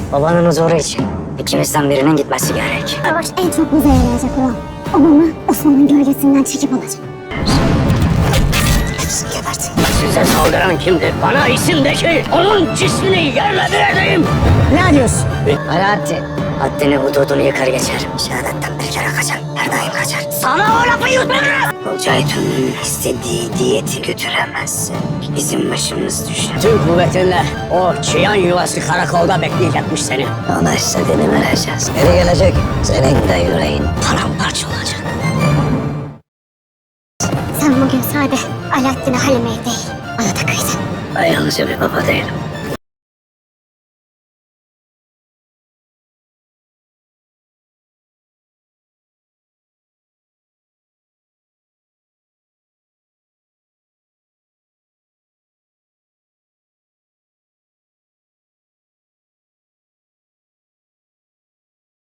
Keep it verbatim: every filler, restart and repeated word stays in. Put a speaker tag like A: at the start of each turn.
A: Babanın huzuru için ikimizden birinin gitmesi gerek.
B: Savaş en çok bize yarayacak olan. Babamı Osman'ın gölgesinden çekip alacak. Hepsini gebertin.
A: Size saldıran kimdir? Bana isim de ki onun cismini yerle bir edeyim.
C: Ne diyorsun?
A: Alaaddin. Haddini hududunu yıkar geçer. Şehadetten bir kere kaçar. Her daim kaçar. Sana o lafı yutmadım. Olcaytun'un istediği diyeti götüremezsin. Bizim başımız düşer. Tüm kuvvetinle o çıyan yuvası karakolda bekleyecekmiş seni. Ona istediğini vereceğiz. Geri gelecek. Senin de yüreğin paramparça olacak.
B: Sen bugün sade Alaaddin'e Halime'ye değil, bana da kıydın.
A: Ben yalnızca bir baba değilim.